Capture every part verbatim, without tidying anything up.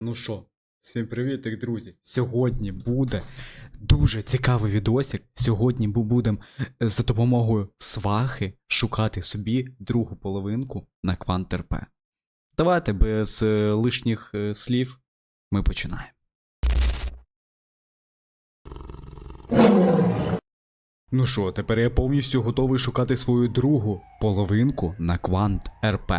Ну що, всім привіт, друзі. Сьогодні буде дуже цікавий відосик. Сьогодні ми будемо за допомогою свахи шукати собі другу половинку на Квант.РП. Давайте без е, лишніх е, слів ми починаємо. Ну що, тепер я повністю готовий шукати свою другу половинку на Квант.РП.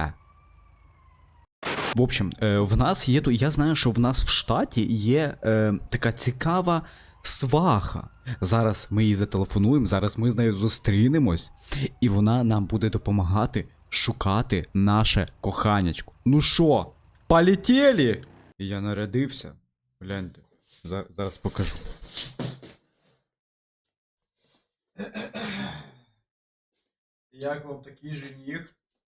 В общем, е, в нас є, я знаю, що в нас в штаті є е, така цікава сваха. Зараз ми її зателефонуємо, зараз ми з нею зустрінемось, і вона нам буде допомагати шукати наше коханячко. Ну що, полетіли? Я нарядився. Гляньте, зараз покажу. Як вам такий жених?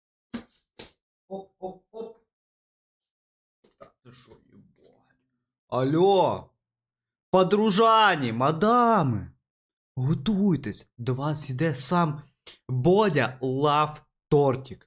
Оп-оп-оп. Так, ти що, єбать? Алло! Подружані, мадами! Готуйтесь, до вас йде сам Бодя Лав Тортик.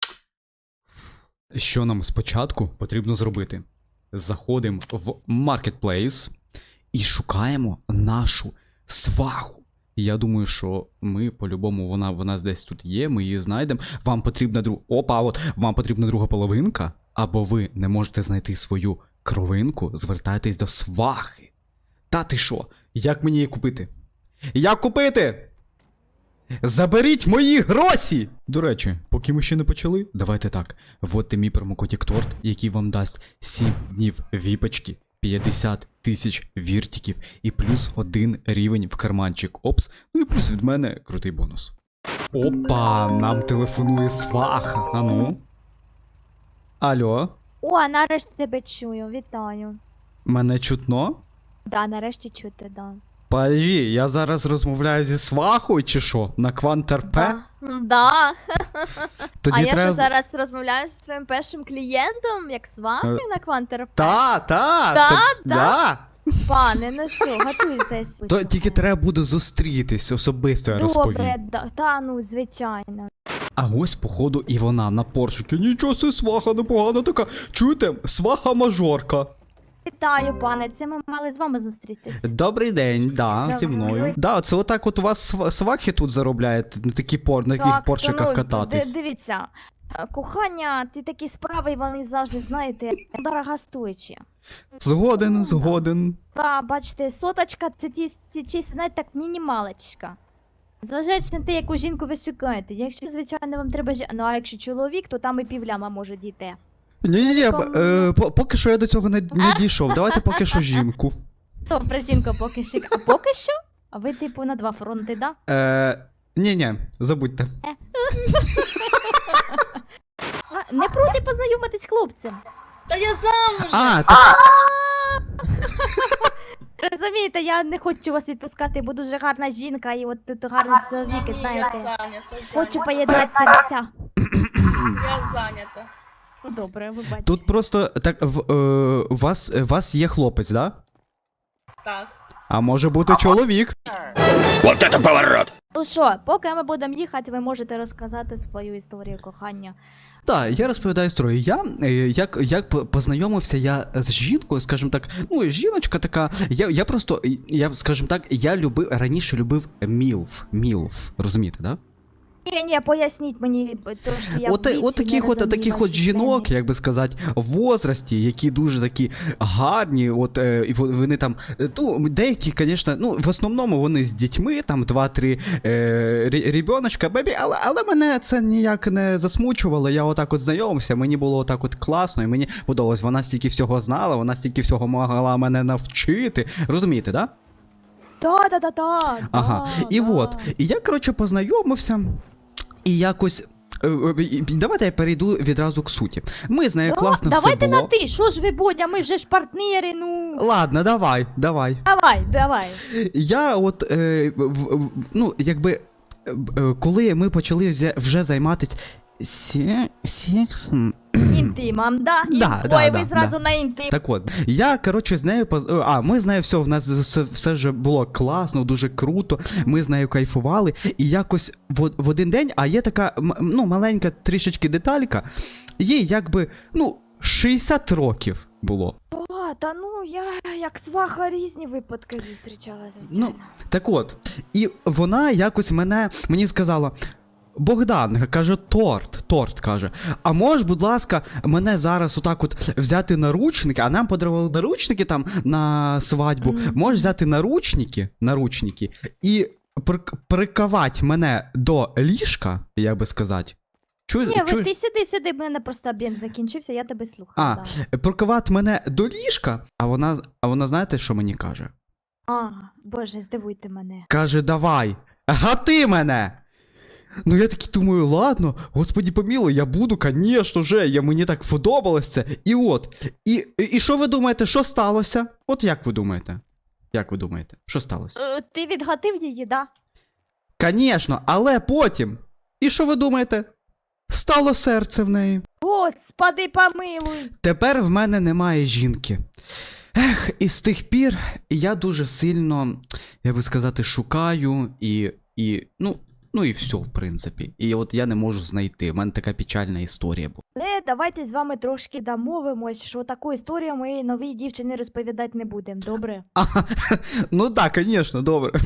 Що нам спочатку потрібно зробити? Заходимо в Marketplace і шукаємо нашу сваху. Я думаю, що ми по-любому, вона в нас десь тут є, ми її знайдемо. Вам потрібна друга... Опа, от, вам потрібна друга половинка, або ви не можете знайти свою кровинку, звертайтесь до свахи. Та ти що? Як мені її купити? Як купити? Заберіть мої гроші! До речі, поки ми ще не почали, давайте так. Вводьте мій промокодік торт, який вам дасть сім днів віпочки, п'ятдесят тисяч віртиків і плюс один рівень в карманчик. Опс, ну і плюс від мене крутий бонус. Опа, нам телефонує сваха. А ну? Алло? О, нарешті тебе чую, вітаю. Мене чутно? Да, нарешті чути, да. Подожди, я зараз розмовляю зі свахою чи що? На Квант.РП? Да. Да. Тоді а я треба... що зараз розмовляю зі своїм першим клієнтом, як з вами на Квант.РП? Та, та, Да, це... да? да. Пане, ну що, готуйтесь. То тільки треба буде зустрітись особисто, я розповім. Добре, да, та ну, звичайно. А ось, походу, і вона на поршикі. Нічого си, сваха непогана така. Чуєте? Сваха-мажорка. Вітаю, пане, це ми мали з вами зустрітись. Добрий день, да, Добрий. зі мною. Да, це отак от у вас св- свахи тут заробляють, на такі пор, на таких Так, поршиках то, ну, кататись. ди- Дивіться, кохання, ти такі справи, вони завжди, знаєте, дорогостоячі. Згоден, згоден. Та, бачите, соточка це ті, ті чисто, знаєте, так, мінімалочка. Зважаючи на те, яку жінку ви шукаєте. Якщо, звичайно, вам треба жі... Ну, а якщо чоловік, то там і півляма може дійти. Ні-ні-ні, е, по- поки що я до цього не, не дійшов. Давайте поки що жінку. Добре, жінка поки що. А поки що? А ви, типу, на два фронти, да? Е, ні-ні, забудьте. А, не проти познайомитись з хлопцем. Та я замуж! А, так... Розумієте, я не хочу вас відпускати, бо дуже гарна жінка і от тут гарний чоловік, Ні, знаєте. Я зайнята, Хочу зайнята. поєднати серця. Я зайнята. Добре, ви бачите. Тут просто, так, в, е, у вас, у вас є хлопець, да? Так. А може бути чоловік? Ну що, поки ми будемо їхати, ви можете розказати свою історію кохання. Так, я розповідаю історію. Я, е, як, як по- познайомився я з жінкою, скажімо так, ну, жіночка така, я, я просто, я, скажімо так, я любив, раніше любив мілф, мілф, розумієте, да? Ні, ні, поясніть мені трошки, я От, в віці от таких не от, розумію таких от ваші жінок, теми. як би сказати, в возрасті, які дуже такі гарні, от, е, і во- вони там, е, ну, деякі, звісно, ну, в основному вони з дітьми, там, два-три е, рі- рібіночка, бебі, але, але мене це ніяк не засмучувало, я отак от знайомився, мені було отак от класно, і мені подобалось, вона стільки всього знала, вона стільки всього могла мене навчити, розумієте, да? Да, да, да, да. Ага, да, і да. от, і я, коротше, познайомився, і якось, е, е, давайте я перейду відразу к суті. Ми з нею Да, класно давайте все було. на ти, що ж ви, Бодя, ми вже ж партнери, ну. Ладно, давай, давай. Давай, давай. Я от, е, в, в, ну, якби, е, е, коли ми почали взя- вже займатися сі- сексом, Інтимом, да? Да, Ой, да, ви да, зразу да. на інтим. Так от, я, коротше, з нею поз... А, ми з нею все, в нас все, все вже було класно, дуже круто. Ми з нею кайфували. І якось в, в один день, а є така, м- ну, маленька трішечки деталька, їй якби, ну, шістдесят років. було. О, та ну я як сваха різні випадки зустрічала, звичайно. Ну, так от, і вона якось мене мені сказала. Богдан, каже, торт, торт, каже. А можеш, будь ласка, мене зараз отак от взяти наручники, а нам подарували наручники там на свадьбу. Мгм. Можеш взяти наручники, наручники і прик- приковати мене до ліжка, як би сказати. Чу, Ні, ви чу, ти сиди, сиди, в мене просто обід закінчився, я тебе слухаю. А, да. приковати мене до ліжка, а вона, а вона знаєте, що мені каже? А, боже, здивуйте мене. Каже, давай, гати мене! Ну я такий думаю, ладно, господі помілуй, я буду, конечно же, я, мені так подобалось це. І от, і, і що ви думаєте, що сталося? От як ви думаєте? Як ви думаєте, що сталося? Е, ти відгатив її, да? Конечно, але потім, і що ви думаєте? Стало серце в неї. Господи, помилуй! Тепер в мене немає жінки. Ех, і з тих пір я дуже сильно, як би сказати, шукаю і, і, ну, ну і все, в принципі. І от я не можу знайти. У мене така печальна історія була. Але давайте з вами трошки домовимось, що таку історію ми новій дівчині розповідати не будемо, добре? А, ну так, звісно, добре.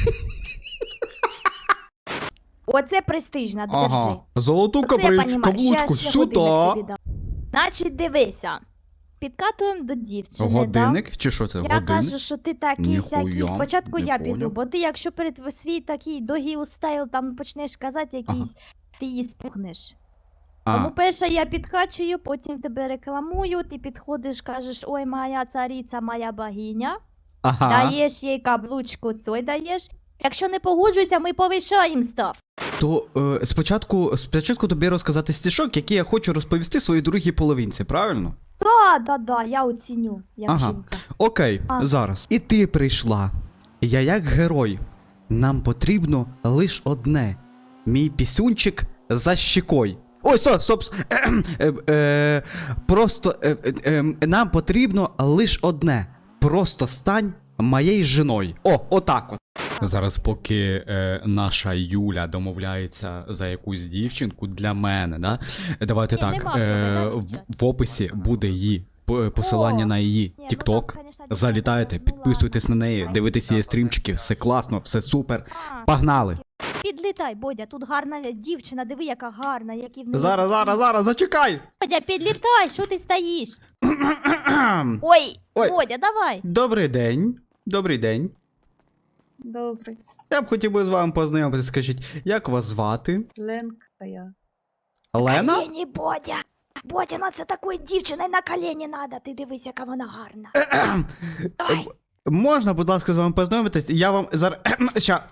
Оце престижна, держи. Ага. Золоту Оце я каблич, понімаю. каблучку Щас ще сюди. годинник тобі дам. Значить, дивися. Підкатуємо до дівчини, да? Годинник? Чи що це? Я Годинник? кажу, що ти такий Ніхуя, сякий. Спочатку не я піду, поняв. бо ти, якщо перед в- свій такий догіл стайл там почнеш казати якийсь, ти її спухнеш. А, Тому перше я підкачую, потім тебе рекламую, ти підходиш, кажеш, ой, моя цариця, моя богиня, ага. даєш їй каблучку, цой даєш. Якщо не погоджується, ми повишаємо став. То е, спочатку, спочатку тобі розказати стишок, який я хочу розповісти своїй другій половинці, правильно? Да, да, да, я оціню, як Ага. жінка. Окей, А. зараз. І ти прийшла. Я як герой. Нам потрібно лиш одне. Мій пісюнчик за щекой. Ой, стоп, стоп. стоп. Е, е, просто е, е, е, нам потрібно лиш одне. Просто стань моєю жіною. О, отак от. Зараз, поки е, наша Юля домовляється за якусь дівчинку для мене, да? Давайте Ні, так. нема Е, проблем, в, давайте. в описі буде її п- посилання О, на її Ні, ну TikTok. там, конечно, дівчата, Залітайте, ну підписуйтесь на ладно. неї, дивитесь її стрімчики, все класно, все супер. А, Погнали! Підлітай, Бодя, тут гарна дівчина, диви, яка гарна, які в неї. Зараз, зараз, зараз, зачекай! Бодя, підлітай, що ти стоїш? Ой, Ой. Бодя, давай. Добрий день. Добрий день. Добрий. Я б хотів би з вами познайомитися. Скажіть, як вас звати? Ленка я. Лена? Колені, Бодя. Бодя, на це такої дівчини на колені надо, ти дивись, яка вона гарна. Давай. Можна, будь ласка, з вами познайомитись? Я вам зараз. Ща.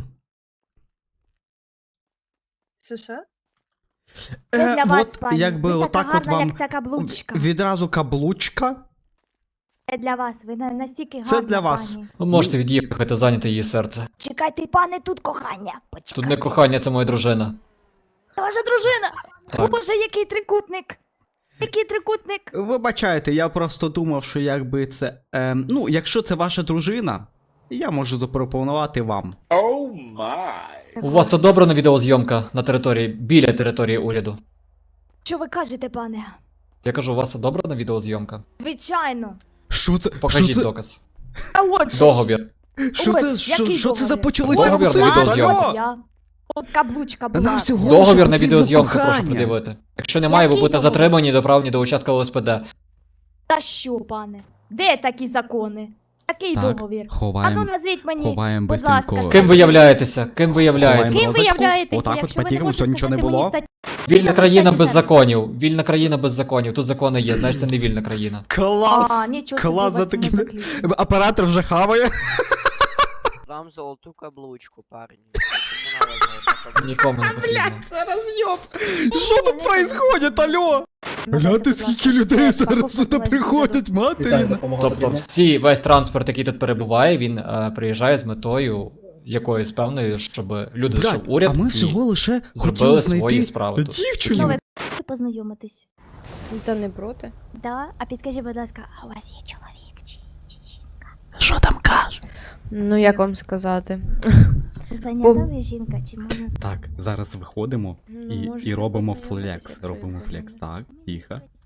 Що що? Це для Е, вас, от, пані. якби ви отак така от гарна, вам як ця каблучка. відразу каблучка. Це для вас, ви на- настільки гарна, Це для вас. пані. Ви можете від'їхати, зайняти її серце. Чекайте, пане, тут кохання. Почекайте. Тут не кохання, це моя дружина. Це ваша дружина. Так. Боже, який трикутник. Який трикутник. Вибачайте, я просто думав, що якби це. Ем, ну, якщо це ваша дружина, я можу запропонувати вам. У вас це добра на відеозйомка на території, біля території уряду. Що ви кажете, пане? Я кажу, у вас це добра на відеозйомка? Звичайно. Що це? Покажіть що це? доказ. А от же ж. Договір. Що Ой, це? Що, який що це за договір? почалися Договір на русити? відеозйомку. Алло! Я. От каблучка була. Нам всього Договір лише на потрібно відеозйомку, прошу кохання. придивити. Якщо немає, ви Який будете договір? затримані до прав ні до участка ЛСПД. Та що, пане? Де такі закони? Такий Так, договір. А ну ховаємо, назвіть мені. ховаємо будь ласка, бистренько. Ким ви являєтеся? Ким ви Ховаємо являєтеся? Ким ви розочку. являєтеся? Отак от Якщо ви по-тихому, можете що нічого не сказати мені було. статтю? Вільна Що країна ви без скажете? законів. Вільна країна без законів. Тут закони є, значить це не вільна країна. Клас! А, нічого собі Клас у за вас воно таким. заключено. Оператор вже хаває. Дам золоту каблучку, парні. Кому надо золота каблучка? Нікому не потрібно. Це роз'єб! Що Ні, тут не происходит, алло? Надайте, Гляньте, будь скільки ласка, людей щоб я зараз покупку сюди вашу приходять, материна. Тобто всі, весь транспорт, який тут перебуває, він е, приїжджає з метою якоюсь певною, щоб люди Блядь, зайшов уряд а ми і всього лише хотіли зробили свої знайти справи тут. дівчину. Ну, ви хочете познайомитись? Та не проти. Да? А підкажіть, будь ласка, а у вас є чоловік чи, чи жінка? Що там каже? Ну як вам сказати? Зайнята ви жінка, чи можна з- Так, зараз виходимо Ну, і, можете і робимо познайомитися, флекс. якщо Робимо я флекс. розумію. Так, тихо,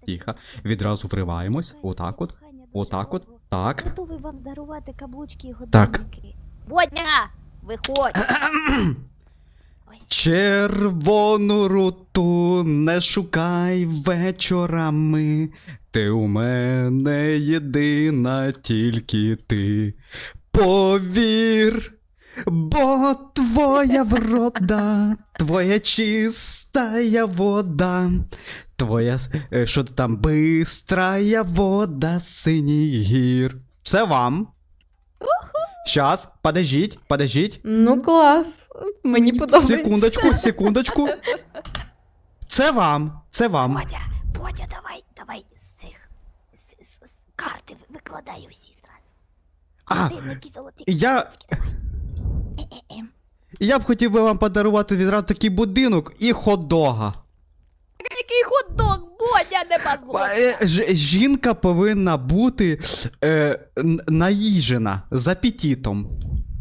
тихо. Відразу вриваємось. Отак от. Отак от. Так. Готовий вам дарувати каблучки і Так. годинники. Бодя! Виходь! Ось. Червону руту не шукай вечорами. Ти у мене єдина, тільки ти. Повір, бо твоя врода, твоя чистая вода, твоя, с- е, що ти там, бистрая вода синіх гір. Це вам. Щас, подождіть, подождіть. Ну, клас. Мені подобається. Секундочку, секундочку. Це вам, це вам. Бодя, Бодя, давай, давай з цих з, з, з карти викладай усі зразу. А, Годинники золоті. я, Е-е-е. я б хотів би вам подарувати відразу такий будинок і хот-дога. Який хот-дог, Бодя, не базуй. Е, ж- Жінка повинна бути е, н- наїжена з апетитом.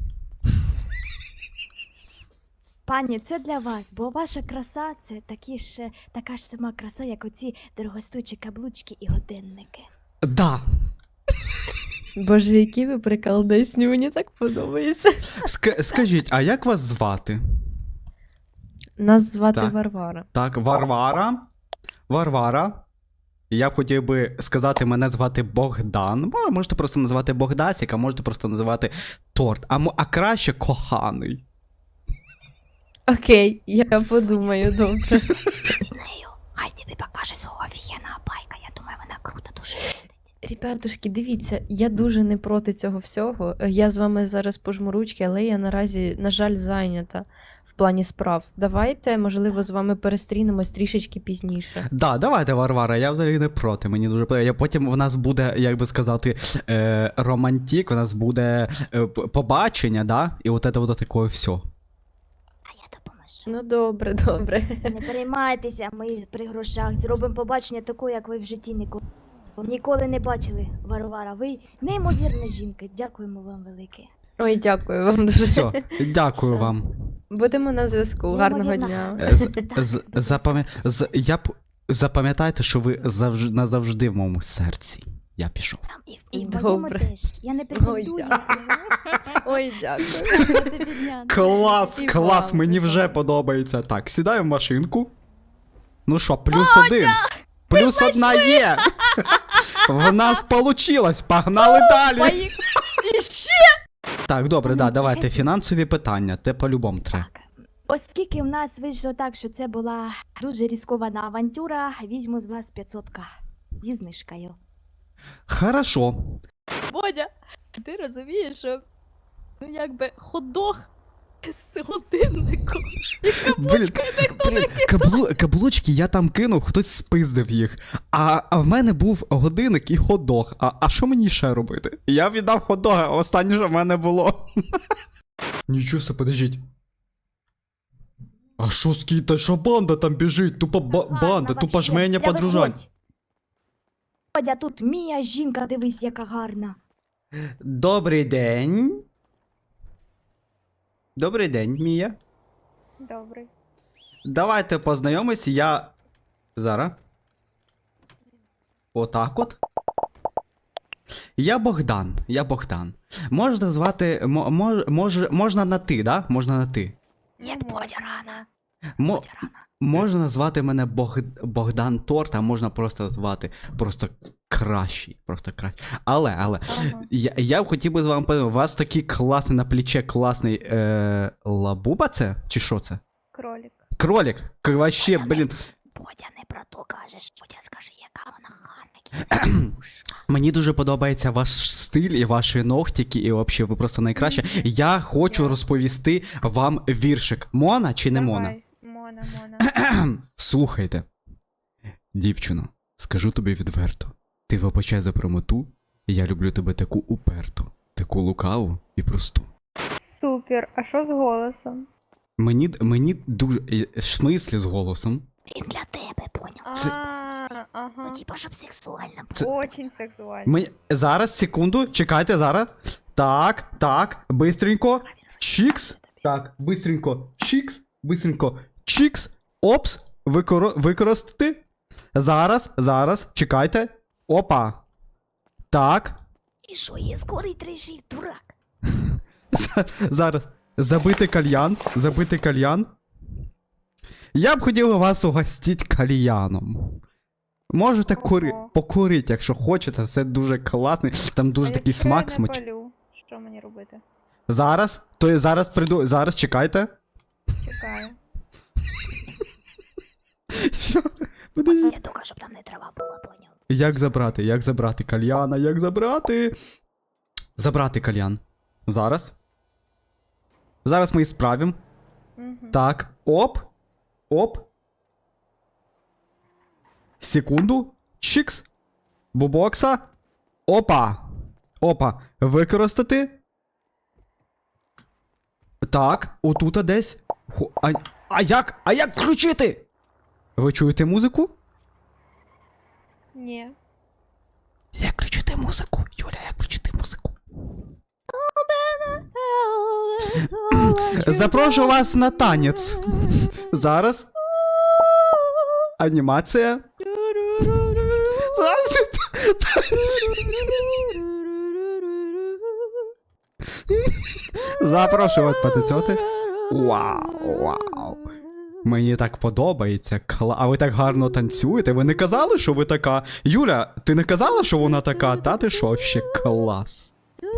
Пані, це для вас, бо ваша краса це такі ж, така ж сама краса, як оці дорогостоячі каблучки і годинники. Да. Боже, які ви приколдесні, мені так подобається. Ск- скажіть, а як вас звати? Нас звати Так. Варвара. Так, Варвара. Варвара. Я б хотів би сказати, мене звати Богдан. Бо можете просто назвати Богдасік, а можете просто називати торт. А, мо- а краще коханий. Окей, я подумаю, добре. З нею, хай тобі покаже свого офігенного байка, я думаю, вона круто дуже виглядить. Ребятушки, дивіться, я дуже не проти цього всього. Я з вами зараз пожму ручки, але я наразі, на жаль, зайнята в плані справ. Давайте, можливо, з вами перестрінемось трішечки пізніше. Да, давайте, Варвара, я взагалі не проти. Мені дуже подобається. Потім у нас буде, як би сказати, е, романтик, у нас буде е, п- побачення, да? І от це от таке все. А я допоможу. Ну добре, добре. Не переймайтеся, ми при грошах зробимо побачення такого, як ви в житті ніколи. Ніколи не бачили, Варвара. Ви неймовірна жінка. Дякуємо вам велике. Ой, дякую вам дуже. Все, дякую Все. вам. Будемо на зв'язку. Гарного Неймовірно дня. гарно. Е, з- Так, з- будь запам'я- ласка. з- Я б запам'ятайте, що ви завж... назавжди в моєму серці. Я пішов. Там і, в- і в Добре. моєму теж. Я не Ой, претендую. дякую. Ой, дякую. Я тобі дня. Клас, І клас, вам, мені і вже вам. подобається. Так, сідаю в машинку. Ну що, плюс один. Плюс одна є. В нас получилось. Погнали далі. І ще! Так, добре, да, давайте фінансові питання. Те по-любому треба. Так. Оскільки в нас вийшло так, що це була дуже ризикована авантюра, візьму з вас п'ятсот к зі знижкою. Хорошо. Бодя, ти розумієш, що ну якби хот-дог з годинником. Блін, блін, каблу, каблучки я там кинув, хтось спиздив їх. А, а в мене був годинник і хот-дог. А, а що мені ще робити? Я віддав хот-дога, останнє, що в мене було. Нічого себе, подождіть. А що скіта, що банда там біжить? Тупо ба- банда, тупо жменя подружань. Бодя, тут Мія жінка, дивись, яка гарна. Добрий день. Добрий день, Мія. Добре. Давайте познайомись, я. Зараз. Отак от. Я Богдан. Я Богдан. Можна звати. Мо, мож, мож, можна на ти, да? Можна на ти. Ні, Бодя, рано. Мо, Бодя, рано. можна назвати мене Бог, Богдан Торт, а можна просто звати просто кращий. Просто кращий. Але, але. Ага. Я, я б хотів би з вами подивитися, у вас такий класний на плече класний е, лабуба це? Чи що це? Кролик. Кролик. К- Вообще, блін. Бодя, не про то кажеш. Бодя, скажи, яка вона гарна. Мені дуже подобається ваш стиль і ваші ногтики, і взагалі ви просто найкраще. Я хочу розповісти вам віршик. Мона чи не Мона? Мона, Мона. Слухайте. Дівчино, скажу тобі відверто. Ти вибачай за прямоту, я люблю тебе таку уперту, таку лукаву і просту. Супер. А що з голосом? Мені, мені дуже. В смислі з голосом? Він для тебе, поняв? Це- А, ага. Ну, типа, щоб сексуально було. Це- Очень сексуально. Мені... Зараз, секунду, чекайте зараз. Так, так, бистренько. Чікс. Так, бистренько. Чікс. Бистренько. Чікс. Опс. Викоро... Використати. Зараз, зараз, чекайте. Опа. Так. І що, є скорий трижив, дурак? З- Зараз. Забити кальян. Забити кальян. Я б хотів вас угостити кальяном. Можете кури... Ого. покурити, якщо хочете, це дуже класний. Там дуже А такий якщо я смак не смач. палю, що мені робити? Зараз, то я зараз прийду. Зараз чекайте. Чекаю. Що? Подожди. Я тільки, щоб там не трава була, поняв. Як забрати? Як забрати кальяна? Як забрати? Забрати кальян. Зараз. Зараз ми і справимо. Угу. Так. Оп. Оп. Секунду. Чікс. Бубокса. Опа. Опа. Використати. Так. Отута десь. Хо- А, а як? А як включити? Ви чуєте музику? Ні. Як включити музику? Юля, як включити музику? Запрошую вас на танець. Зараз. Анімація. Зараз. Запрошую вас потанцювати. Вау, вау. Мені так подобається. Кла... А ви так гарно танцюєте. Ви не казали, що ви така. Юля, ти не казала, що вона така? Та ти що, ще клас.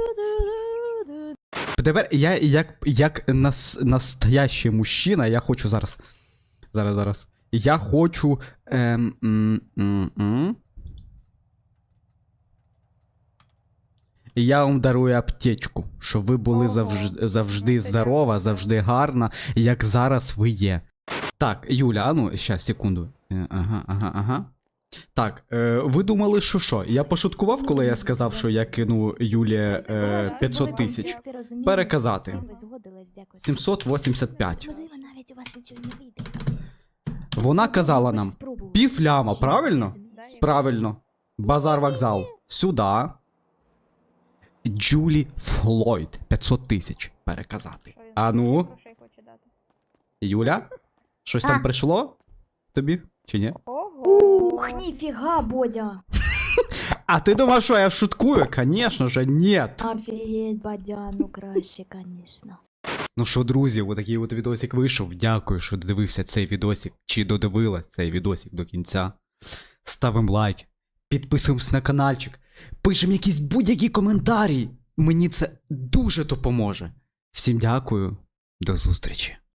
Тепер я як, як нас, настоящий мужчина, я хочу зараз. Зараз, зараз. Я хочу. Ем, м, м, м. Я вам дарую аптечку, щоб ви були Ого, завжди, завжди ну це здорова, дякую. завжди гарна, як зараз ви є. Так, Юля, а ну, щас, секунду. Е, Ага, ага, ага. Так, е, ви думали, що що? Я пошуткував, коли я сказав, що я кину Юлі е, п'ятсот тисяч. Переказати. сімсот вісімдесят п'ять. Можливо, навіть у вас нічого не вийде. Вона казала нам пів ляма, правильно? Да, я- Правильно. Базар вокзал. Сюда. Джулі Флойд. п'ятсот тисяч переказати. Що він А ну, грошей хоче дати? Юля? Щось А. там прийшло? Тобі? Чи ні? Ого. Ух, ніфіга, Бодя. А ти думав, що я шуткую? Конечно же, нет. Офігеть, Бодя, ну краще, конечно. Ну що, друзі, отакий от відосик вийшов. Дякую, що додивився цей відосик, чи додивилась цей відосик до кінця. Ставимо лайк, підписуємось на каналчик, пишемо якісь будь-які коментарі. Мені це дуже допоможе. Всім дякую, до зустрічі.